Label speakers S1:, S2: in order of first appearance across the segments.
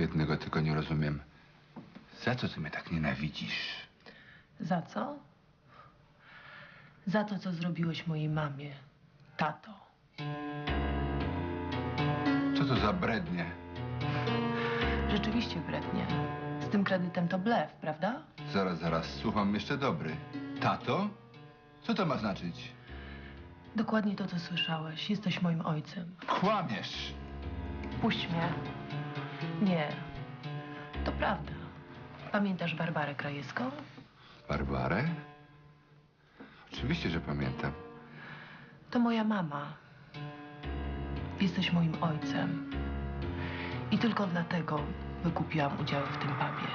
S1: Jednego tylko nie rozumiem. Za co ty mnie tak nienawidzisz?
S2: Za co? Za to, co zrobiłeś mojej mamie, tato.
S1: Co to za brednie?
S2: Rzeczywiście brednie. Z tym kredytem to blef, prawda?
S1: Zaraz, słucham jeszcze dobry. Tato? Co to ma znaczyć?
S2: Dokładnie to, co słyszałeś. Jesteś moim ojcem.
S1: Kłamiesz!
S2: Puść mnie. Nie. To prawda. Pamiętasz Barbarę Krajewską?
S1: Barbarę? Oczywiście, że pamiętam.
S2: To moja mama. Jesteś moim ojcem. I tylko dlatego wykupiłam udziały w tym pubie.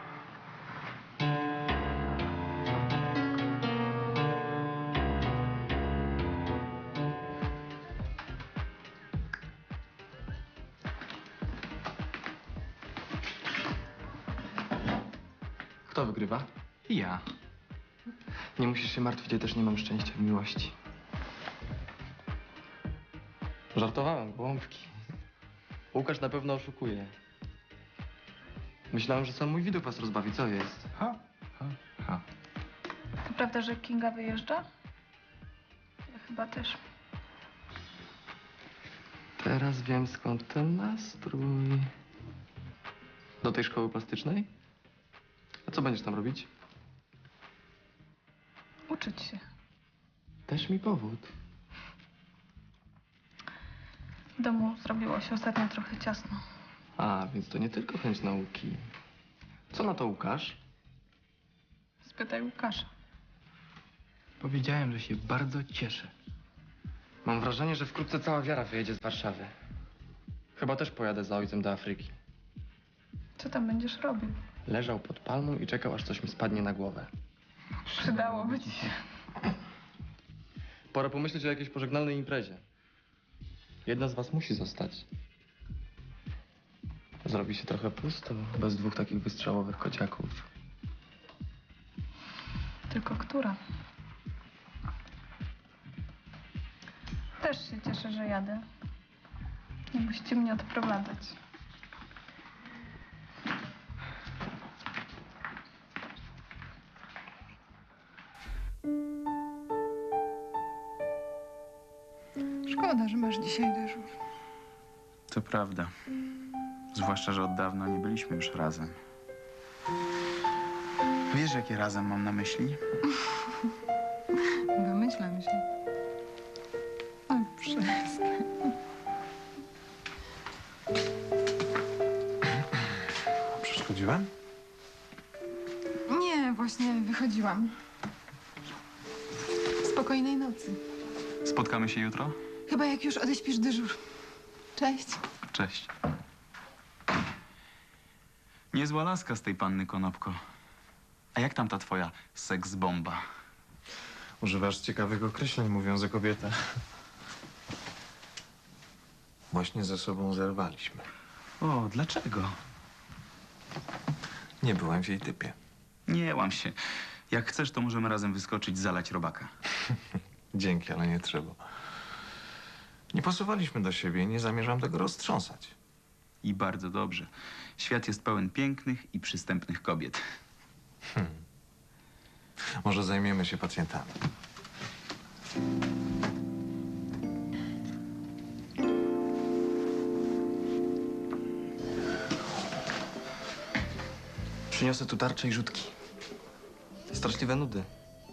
S3: Kto wygrywa?
S4: Ja.
S3: Nie musisz się martwić, ja też nie mam szczęścia w miłości. Żartowałem, głąbki. Łukasz na pewno oszukuje. Myślałem, że sam mój widok was rozbawi. Co jest?
S1: Ha.
S5: To prawda, że Kinga wyjeżdża? Ja chyba też.
S3: Teraz wiem, skąd ten nastrój. Do tej szkoły plastycznej? A co będziesz tam robić?
S5: Uczyć się.
S3: Też mi powód.
S5: W domu zrobiło się ostatnio trochę ciasno.
S3: A, więc to nie tylko chęć nauki. Co na to Łukasz?
S5: Spytaj Łukasza.
S4: Powiedziałem, że się bardzo cieszę.
S3: Mam wrażenie, że wkrótce cała wiara wyjedzie z Warszawy. Chyba też pojadę za ojcem do Afryki.
S5: Co tam będziesz robił?
S3: Leżał pod palmą i czekał, aż coś mi spadnie na głowę.
S5: Przydałoby ci się.
S3: Pora pomyśleć o jakiejś pożegnalnej imprezie. Jedna z was musi zostać. Zrobi się trochę pusto, bez dwóch takich wystrzałowych kociaków.
S5: Tylko która? Też się cieszę, że jadę. Nie musicie mnie odprowadzać.
S6: Szkoda, że masz dzisiaj dyżur.
S4: To prawda. Zwłaszcza, że od dawna nie byliśmy już razem. Wiesz, jakie razem mam na myśli?
S6: Domyślam się. O, przestań.
S7: Przeszkodziłem?
S6: Nie, właśnie wychodziłam. Spokojnej nocy.
S4: Spotkamy się jutro?
S6: Chyba jak już odeśpisz dyżur. Cześć.
S4: Cześć. Niezła laska z tej panny Konopko. A jak tam ta twoja seks-bomba?
S7: Używasz ciekawych określeń, mówiąc o kobietach. Właśnie ze sobą zerwaliśmy.
S4: O, dlaczego?
S7: Nie byłem w jej typie.
S4: Nie łam się. Jak chcesz, to możemy razem wyskoczyć, zalać robaka.
S7: Dzięki, ale nie trzeba. Nie pasowaliśmy do siebie i nie zamierzam tego roztrząsać.
S4: I bardzo dobrze. Świat jest pełen pięknych i przystępnych kobiet.
S7: Może zajmiemy się pacjentami.
S3: Przyniosę tu tarcze i rzutki. Straszliwe nudy.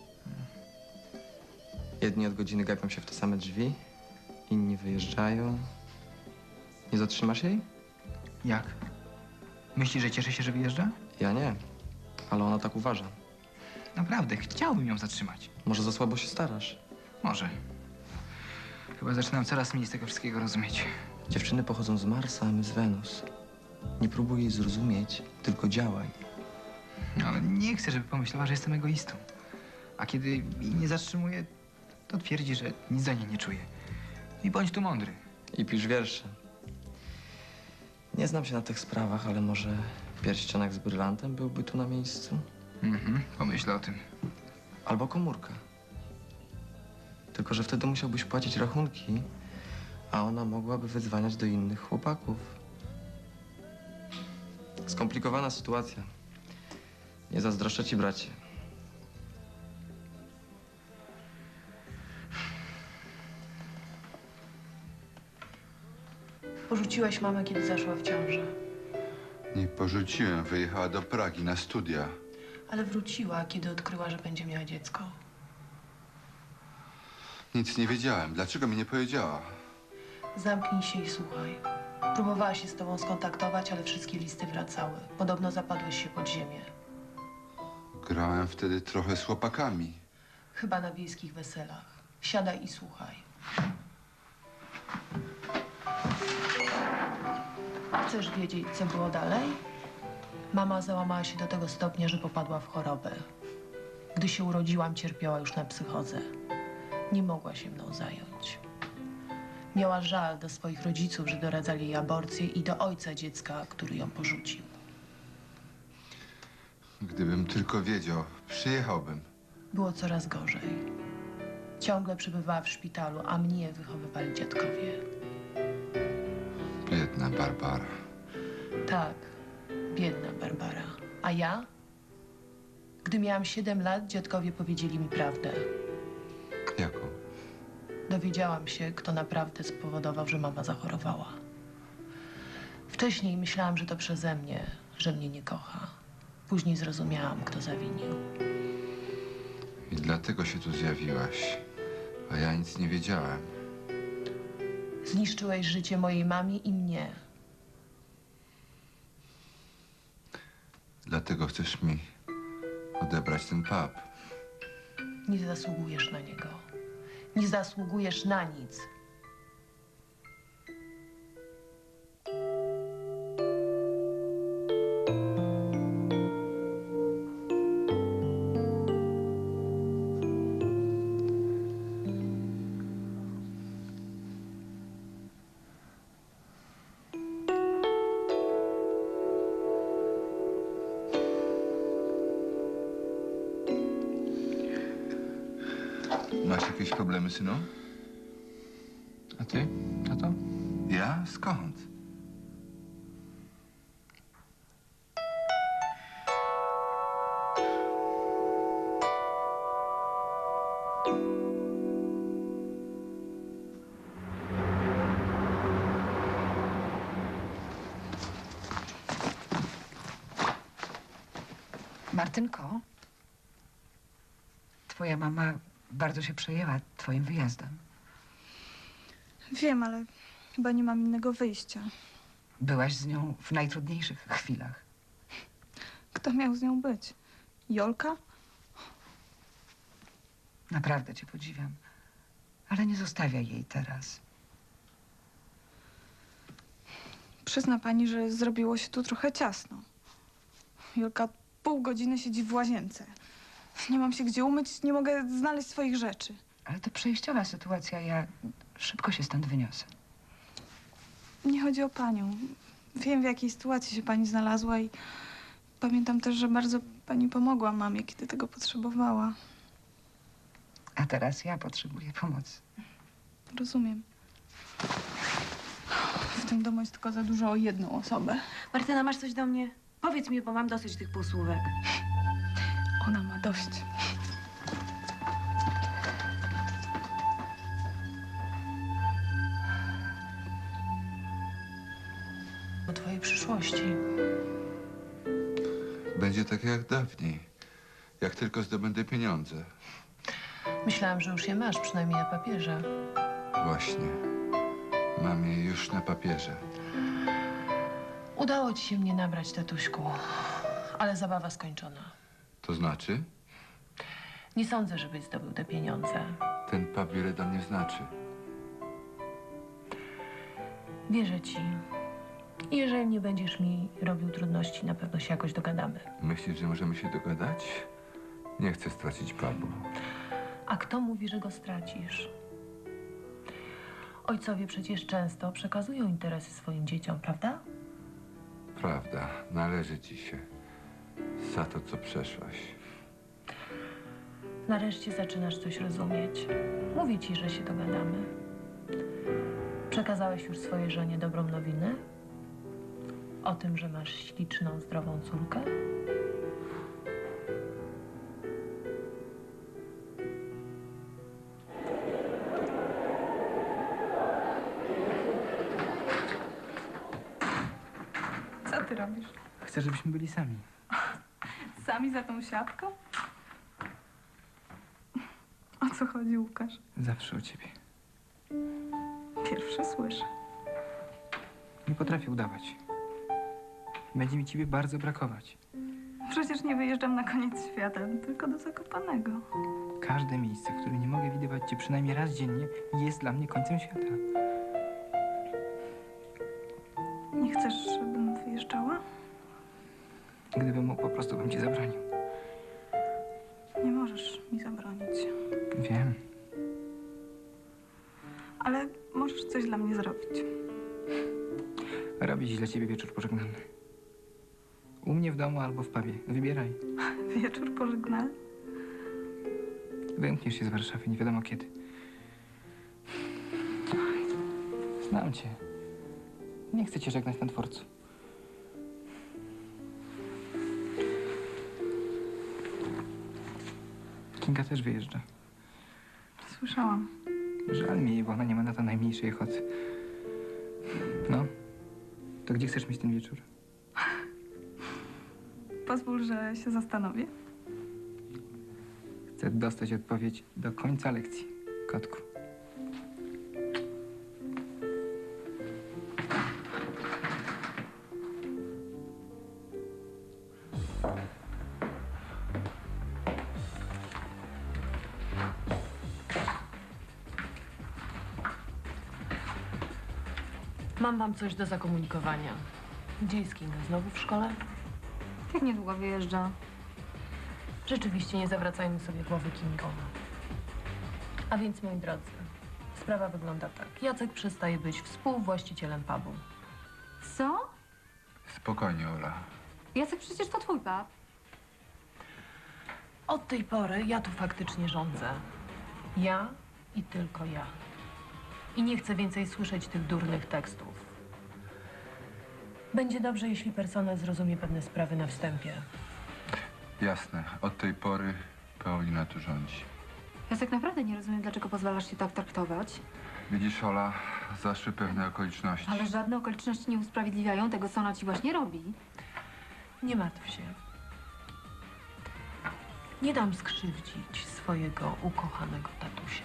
S3: Jedni od godziny gapią się w te same drzwi, inni wyjeżdżają. Nie zatrzymasz jej?
S8: Jak? Myślisz, że cieszy się, że wyjeżdża?
S3: Ja nie, ale ona tak uważa.
S8: Naprawdę, chciałbym ją zatrzymać.
S3: Może za słabo się starasz?
S8: Może. Chyba zaczynam coraz mniej z tego wszystkiego rozumieć.
S3: Dziewczyny pochodzą z Marsa, a my z Wenus. Nie próbuj jej zrozumieć, tylko działaj.
S8: No, ale nie chcę, żeby pomyślała, że jestem egoistą. A kiedy jej nie zatrzymuję, to twierdzi, że nic za niej nie czuje. I bądź tu mądry.
S3: I pisz wiersze. Nie znam się na tych sprawach, ale może pierścionek z brylantem byłby tu na miejscu?
S8: Pomyślę o tym.
S3: Albo komórka. Tylko że wtedy musiałbyś płacić rachunki, a ona mogłaby wydzwaniać do innych chłopaków. Skomplikowana sytuacja. Nie zazdroszczę ci, bracie.
S2: Porzuciłeś mamę, kiedy zaszła w ciążę.
S1: Nie porzuciłem, wyjechała do Pragi na studia.
S2: Ale wróciła, kiedy odkryła, że będzie miała dziecko.
S1: Nic nie wiedziałem. Dlaczego mi nie powiedziała?
S2: Zamknij się i słuchaj. Próbowała się z tobą skontaktować, ale wszystkie listy wracały. Podobno zapadłeś się pod ziemię.
S1: Grałem wtedy trochę z chłopakami.
S2: Chyba na wiejskich weselach. Siadaj i słuchaj. Chcesz wiedzieć, co było dalej? Mama załamała się do tego stopnia, że popadła w chorobę. Gdy się urodziłam, cierpiała już na psychozę. Nie mogła się mną zająć. Miała żal do swoich rodziców, że doradzali jej aborcję, i do ojca dziecka, który ją porzucił.
S1: Gdybym tylko wiedział, przyjechałbym.
S2: Było coraz gorzej. Ciągle przebywała w szpitalu, a mnie wychowywali dziadkowie.
S1: Biedna Barbara.
S2: Tak, biedna Barbara. A ja? Gdy miałam 7 lat, dziadkowie powiedzieli mi prawdę.
S1: Jaką?
S2: Dowiedziałam się, kto naprawdę spowodował, że mama zachorowała. Wcześniej myślałam, że to przeze mnie, że mnie nie kocha. Później zrozumiałam, kto zawinił.
S1: I dlatego się tu zjawiłaś. A ja nic nie wiedziałem.
S2: Zniszczyłeś życie mojej mamie i mnie.
S1: Dlatego chcesz mi odebrać ten pub.
S2: Nie zasługujesz na niego. Nie zasługujesz na nic.
S1: Masz jakieś problemy, synu?
S8: A ty, tato?
S1: Ja? Skąd?
S9: Martynko, twoja mama bardzo się przejęła twoim wyjazdem.
S5: Wiem, ale chyba nie mam innego wyjścia.
S9: Byłaś z nią w najtrudniejszych chwilach.
S5: Kto miał z nią być? Jolka?
S9: Naprawdę cię podziwiam. Ale nie zostawiaj jej teraz.
S5: Przyzna pani, że zrobiło się tu trochę ciasno. Jolka od pół godziny siedzi w łazience. Nie mam się gdzie umyć, nie mogę znaleźć swoich rzeczy.
S9: Ale to przejściowa sytuacja, ja szybko się stąd wyniosę.
S5: Nie chodzi o panią. Wiem, w jakiej sytuacji się pani znalazła i pamiętam też, że bardzo pani pomogła mamie, kiedy tego potrzebowała.
S9: A teraz ja potrzebuję pomocy.
S5: Rozumiem. W tym domu jest tylko za dużo o jedną osobę.
S10: Martyna, masz coś do mnie? Powiedz mi, bo mam dosyć tych półsłówek.
S5: Ona ma dość.
S2: O twojej przyszłości.
S1: Będzie tak jak dawniej. Jak tylko zdobędę pieniądze.
S2: Myślałam, że już je masz, przynajmniej na papierze.
S1: Właśnie. Mam je już na papierze.
S2: Udało ci się mnie nabrać, tatuśku. Ale zabawa skończona.
S1: To znaczy?
S2: Nie sądzę, żebyś zdobył te pieniądze.
S1: Ten pub wiele dla mnie znaczy.
S2: Wierzę ci. I jeżeli nie będziesz mi robił trudności, na pewno się jakoś dogadamy.
S1: Myślisz, że możemy się dogadać? Nie chcę stracić pubu.
S2: A kto mówi, że go stracisz? Ojcowie przecież często przekazują interesy swoim dzieciom, prawda?
S1: Prawda, należy ci się. Za to, co przeszłaś.
S2: Nareszcie zaczynasz coś rozumieć. Mówię ci, że się dogadamy. Przekazałeś już swojej żonie dobrą nowinę? O tym, że masz śliczną, zdrową córkę?
S5: Co ty robisz?
S8: Chcę, żebyśmy byli sami.
S5: Sami za tą siatką? O co chodzi, Łukasz?
S8: Zawsze o ciebie.
S5: Pierwsze słyszę.
S8: Nie potrafię udawać. Będzie mi ciebie bardzo brakować.
S5: Przecież nie wyjeżdżam na koniec świata, tylko do Zakopanego.
S8: Każde miejsce, w którym nie mogę widywać cię przynajmniej raz dziennie, jest dla mnie końcem świata.
S5: Nie chcesz, żebym wyjeżdżała?
S8: Gdybym mógł, po prostu bym ci zabronił.
S5: Nie możesz mi zabronić.
S8: Wiem.
S5: Ale możesz coś dla mnie zrobić.
S8: Robić dla ciebie wieczór pożegnalny. U mnie w domu albo w pubie. Wybieraj.
S5: Wieczór pożegnalny?
S8: Wymkniesz się z Warszawy, nie wiadomo kiedy. Znam cię. Nie chcę cię żegnać na dworcu. Kinga też wyjeżdża.
S5: Słyszałam.
S8: Żal mi jej, bo ona nie ma na to najmniejszej ochoty. No, to gdzie chcesz mieć ten wieczór?
S5: Pozwól, że się zastanowię.
S8: Chcę dostać odpowiedź do końca lekcji, kotku.
S2: Mam wam coś do zakomunikowania. Gdzie jest Kinga? Znowu w szkole?
S10: Jak niedługo wyjeżdża?
S2: Rzeczywiście nie zawracajmy sobie głowy Kingą. A więc, moi drodzy, sprawa wygląda tak. Jacek przestaje być współwłaścicielem pubu.
S10: Co?
S1: Spokojnie, Ola.
S10: Jacek, przecież to twój pap.
S2: Od tej pory ja tu faktycznie rządzę. Ja i tylko ja. I nie chcę więcej słyszeć tych durnych tekstów. Będzie dobrze, jeśli personel zrozumie pewne sprawy na wstępie.
S1: Jasne, od tej pory Paulina tu rządzi.
S10: Jacek, naprawdę nie rozumiem, dlaczego pozwalasz się tak traktować.
S1: Widzisz, Ola, zaszły pewne okoliczności.
S10: Ale żadne okoliczności nie usprawiedliwiają tego, co ona ci właśnie robi.
S2: Nie martw się. Nie dam skrzywdzić swojego ukochanego tatusia.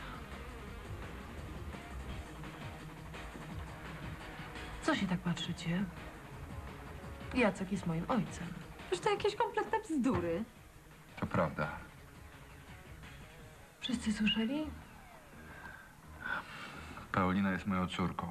S2: Co się tak patrzycie? Jacek jest moim ojcem.
S10: Przecież to jakieś kompletne bzdury.
S1: To prawda.
S2: Wszyscy słyszeli?
S1: Paulina jest moją córką.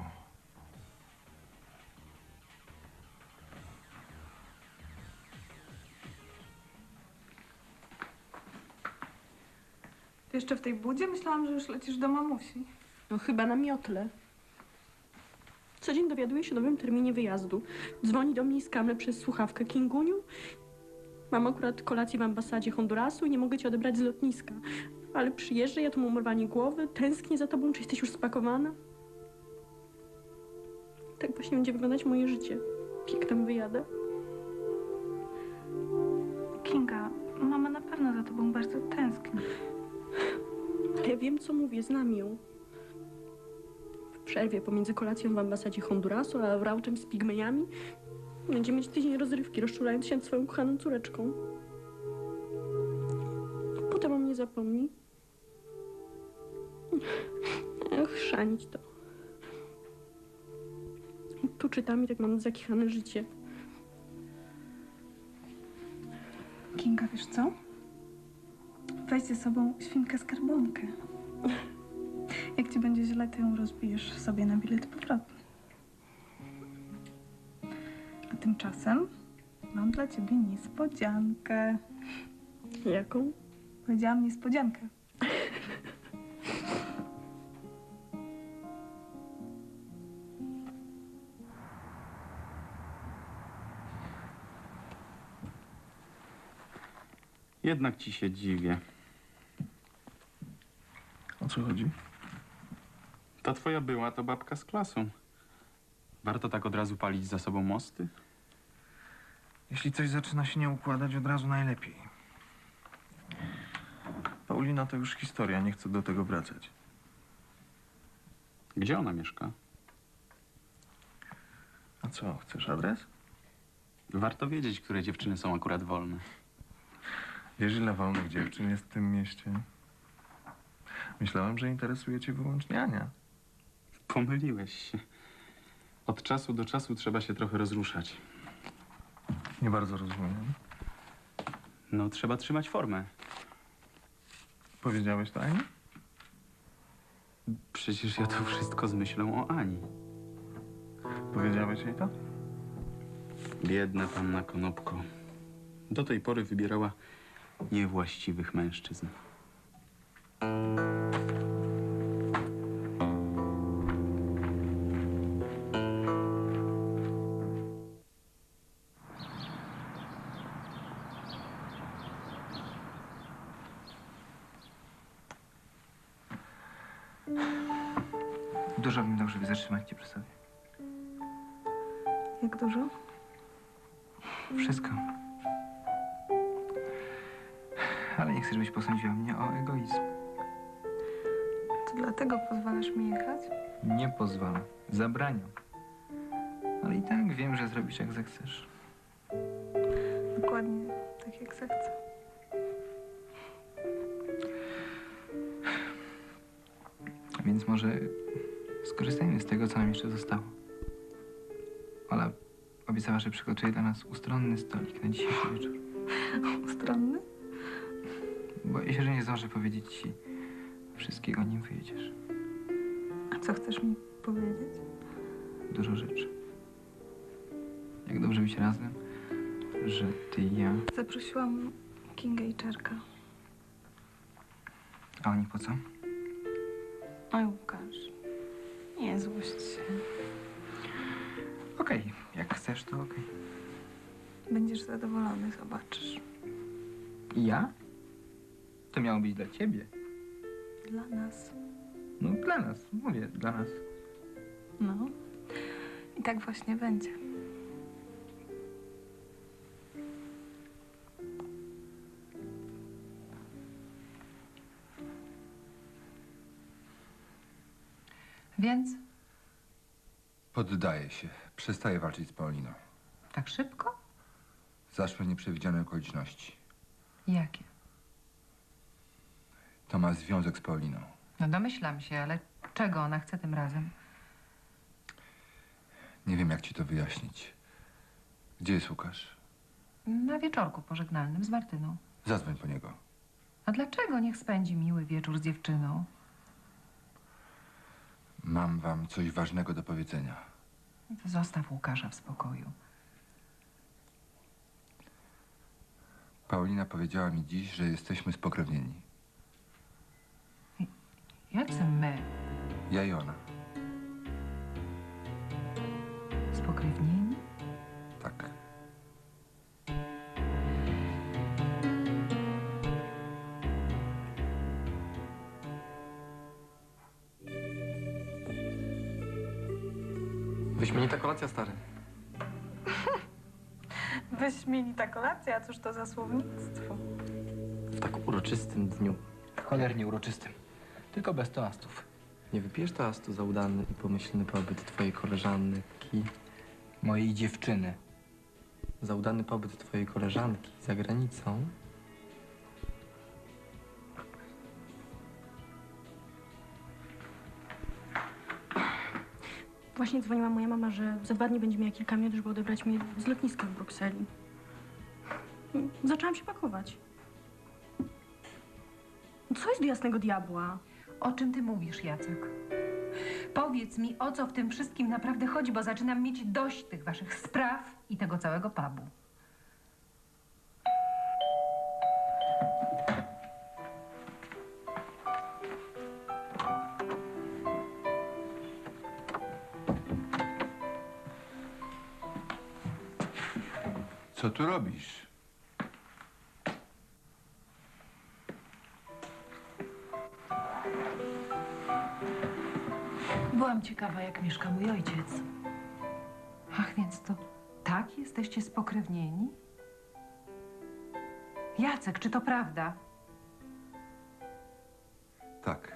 S5: Ty jeszcze w tej budzie? Myślałam, że już lecisz do mamusi.
S11: No chyba na miotle. Co dzień dowiaduję się o nowym terminie wyjazdu. Dzwoni do mnie z kamer przez słuchawkę. Kinguniu, mam akurat kolację w ambasadzie Hondurasu i nie mogę cię odebrać z lotniska. Ale przyjeżdżę, ja tu mam urwanie głowy, tęsknię za tobą, czy jesteś już spakowana? Tak właśnie będzie wyglądać moje życie. Jak tam wyjadę?
S5: Kinga, mama na pewno za tobą bardzo tęskni.
S11: Ja wiem, co mówię, znam ją. W przerwie pomiędzy kolacją w ambasadzie Hondurasu a rauczem z pigmejami będzie mieć tydzień rozrywki, rozczulając się nad swoją kochaną córeczką. Potem o mnie zapomni. Ach, chrzanić to. Tu czytam i tak mam zakichane życie.
S5: Kinga, wiesz co? Weź ze sobą świnkę skarbonkę. Jak ci będzie źle, to ją rozbijesz sobie na bilet powrotny. A tymczasem mam dla ciebie niespodziankę.
S11: Jaką?
S5: Powiedziałam niespodziankę.
S4: Jednak ci się dziwię.
S7: O co chodzi?
S4: Ta twoja była to babka z klasą. Warto tak od razu palić za sobą mosty?
S7: Jeśli coś zaczyna się nie układać, od razu najlepiej. Paulina to już historia, nie chcę do tego wracać.
S4: Gdzie ona mieszka?
S7: A co, chcesz adres?
S4: Warto wiedzieć, które dziewczyny są akurat wolne.
S7: Wiesz, ile wolnych dziewczyn jest w tym mieście? Myślałem, że interesuje cię wyłącznie Ania.
S4: Pomyliłeś się. Od czasu do czasu trzeba się trochę rozruszać.
S7: Nie bardzo rozumiem.
S4: No, trzeba trzymać formę.
S7: Powiedziałeś to Ani?
S4: Przecież ja to wszystko z myślą o Ani.
S7: Powiedziałeś jej to?
S4: Biedna panna Konopko. Do tej pory wybierała niewłaściwych mężczyzn.
S8: Dużo bym dał, żeby zatrzymać cię przy sobie.
S5: Jak dużo?
S8: Wszystko. Ale nie chcę, żebyś posądziła mnie o egoizm.
S5: To dlatego pozwalasz mi jechać?
S8: Nie pozwalam. Zabraniam. Ale i tak wiem, że zrobisz jak zechcesz.
S5: Dokładnie tak, jak zechcę.
S8: Więc może skorzystajmy z tego, co nam jeszcze zostało. Ola obiecała, że przygotuje dla nas ustronny stolik na dzisiejszy wieczór.
S5: Ustronny?
S8: Boję się, że nie zdążę powiedzieć ci wszystkiego, nim wyjedziesz.
S5: A co chcesz mi powiedzieć?
S8: Dużo rzeczy. Jak dobrze być razem, że ty i ja...
S5: Zaprosiłam Kingę i Czarka.
S8: A oni po co?
S5: Oj, Łukasz. Nie złość się.
S8: Okej, jak chcesz, to okej.
S5: Będziesz zadowolony, zobaczysz.
S8: I ja? To miało być dla ciebie.
S5: Dla nas.
S8: No dla nas, mówię, dla nas.
S5: No. I tak właśnie będzie.
S9: Więc?
S1: Poddaję się. Przestaję walczyć z Pauliną.
S9: Tak szybko?
S1: Zaszły nieprzewidziane okoliczności.
S9: Jakie?
S1: To ma związek z Pauliną.
S9: No domyślam się, ale czego ona chce tym razem?
S1: Nie wiem, jak ci to wyjaśnić. Gdzie jest Łukasz?
S9: Na wieczorku pożegnalnym z Martyną.
S1: Zadzwoń po niego.
S9: A dlaczego niech spędzi miły wieczór z dziewczyną?
S1: Mam wam coś ważnego do powiedzenia.
S9: To zostaw Łukasza w spokoju.
S1: Paulina powiedziała mi dziś, że jesteśmy spokrewnieni.
S9: Jacy my?
S1: Ja i ona.
S9: Spokrewnieni?
S1: Tak.
S3: Wyśmienita kolacja, stary.
S5: Wyśmienita kolacja, cóż to za słownictwo.
S3: W tak uroczystym dniu.
S8: Cholernie uroczystym. Tylko bez toastów.
S3: Nie wypijesz toastu za udany i pomyślny pobyt twojej koleżanki.
S8: Mojej dziewczyny.
S3: Za udany pobyt twojej koleżanki za granicą.
S11: Właśnie dzwoniła moja mama, że za 2 dni będzie miała kilka minut, żeby odebrać mnie z lotniska w Brukseli. Zaczęłam się pakować. Co jest do jasnego diabła?
S9: O czym ty mówisz, Jacek? Powiedz mi, o co w tym wszystkim naprawdę chodzi, bo zaczynam mieć dość tych waszych spraw i tego całego pubu.
S1: Co tu robisz?
S2: Byłam ciekawa, jak mieszka mój ojciec.
S9: Ach, więc to tak jesteście spokrewnieni? Jacek, czy to prawda?
S1: Tak.